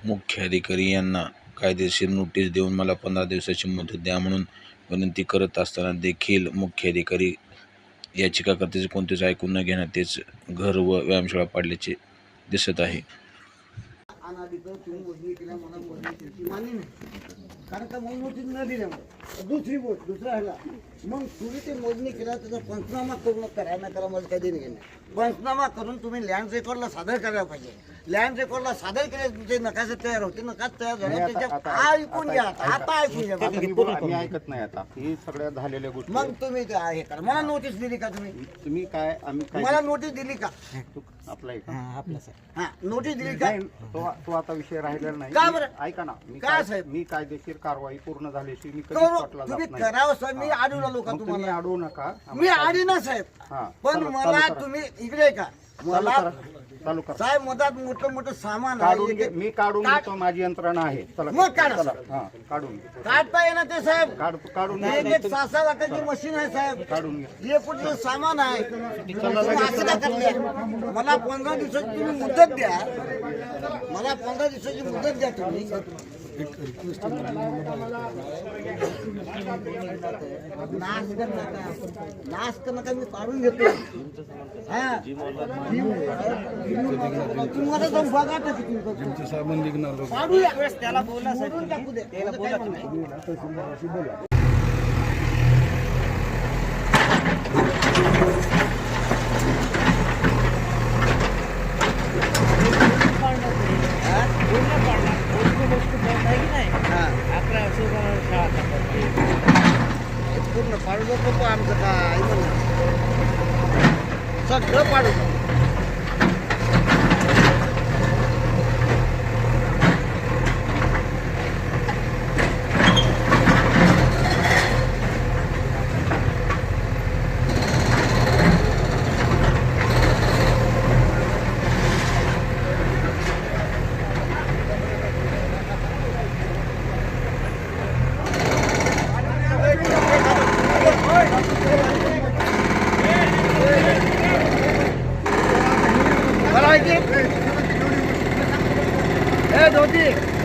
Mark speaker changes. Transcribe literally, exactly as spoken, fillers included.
Speaker 1: मुख्य अधिकारी यांना कायदेशीर नोटीस देऊन मला पंधरा दिवसाची मुदत द्या म्हणून विनंती करत असताना देखील मुख्य अधिकारी याचिकाकर्त्याचे कोणतेच ऐकून न घेण्यात तेच घर व व्यायामशाळा पाडल्याचे दिसत आहे.
Speaker 2: अनाधिकृत तुम्ही मोजणी केल्या मला मोजणी मान्य नाही, कारण का मग नोटीस न दिल्यामुळे दुसरी गोष्ट दुसरा ह्याला मग तुम्ही ते मोजणी केला त्याचा पंचनामा करून करा ना करा मला काही देणे घेणे. पंचनामा करून तुम्ही लँड रेकॉर्डला सादर करायला पाहिजे. लँड रेकॉर्डला सादर केले तुमचे नकाशे तयार होते, नकाश तयार झाले त्याच्या ऐकून घ्या. आता ऐकून घ्या,
Speaker 3: मी ऐकत नाही आता ही सगळ्या झालेल्या गोष्टी.
Speaker 2: मग तुम्ही ते आहे करा. मला नोटीस दिली का तुम्ही?
Speaker 3: तुम्ही काय आम्ही
Speaker 2: मला नोटीस दिली का?
Speaker 3: आपला
Speaker 2: हा नोटीस दिली का?
Speaker 3: तो तो आता विषय राहिलेला नाही.
Speaker 2: का बरं?
Speaker 3: ऐका ना, मी
Speaker 2: काय साहेब
Speaker 3: मी कायदेशीर कारवाई पूर्ण झाल्याशी मी कधीच
Speaker 2: करू
Speaker 3: पटला
Speaker 2: तुम्ही
Speaker 3: जात नाही.
Speaker 2: करावं साहेब. मी अडवू नका
Speaker 3: मग तुम्ही
Speaker 2: तुम्हाला,
Speaker 3: अडवू नका.
Speaker 2: मी आडी ना साहेब.
Speaker 3: हा,
Speaker 2: पण
Speaker 3: चालू-
Speaker 2: मला
Speaker 3: चालू करा.
Speaker 2: तुम्ही इकडे का
Speaker 3: चालू
Speaker 2: मला
Speaker 3: करा, चालू करा.
Speaker 2: साहेब मधात मोठं मोठं सामान
Speaker 3: काढून
Speaker 2: आहे.
Speaker 3: घे, मी काढून
Speaker 2: काढ-
Speaker 3: घेतो, माझी यंत्रणा आहे. चला
Speaker 2: मग काढा.
Speaker 3: चला, हा काढून घे.
Speaker 2: काढता येणार ते साहेब.
Speaker 3: काढ काढून
Speaker 2: एक
Speaker 3: घे.
Speaker 2: एक सहा सहा लाखाची मशीन आहे साहेब.
Speaker 3: काढून घे.
Speaker 2: हे कुठलं सामान आहे. तुम्ही असं का करले? मला पंधरा दिवसाची तुम्ही मुदत द्या. मला पंधरा दिवसाची मुदत द्या तुम्ही. नाश कर नका, नाश कर नका. मी काढून घेतो. हा तुम्हाला जाऊन बघा तर किती काढूया. त्याला बोला साहेब, टाकू दे. त्याला बोला तुम्ही. पूर्ण पाडू नको आमचं काय सगळं पाडू. मला माहिती आहे. ए धोती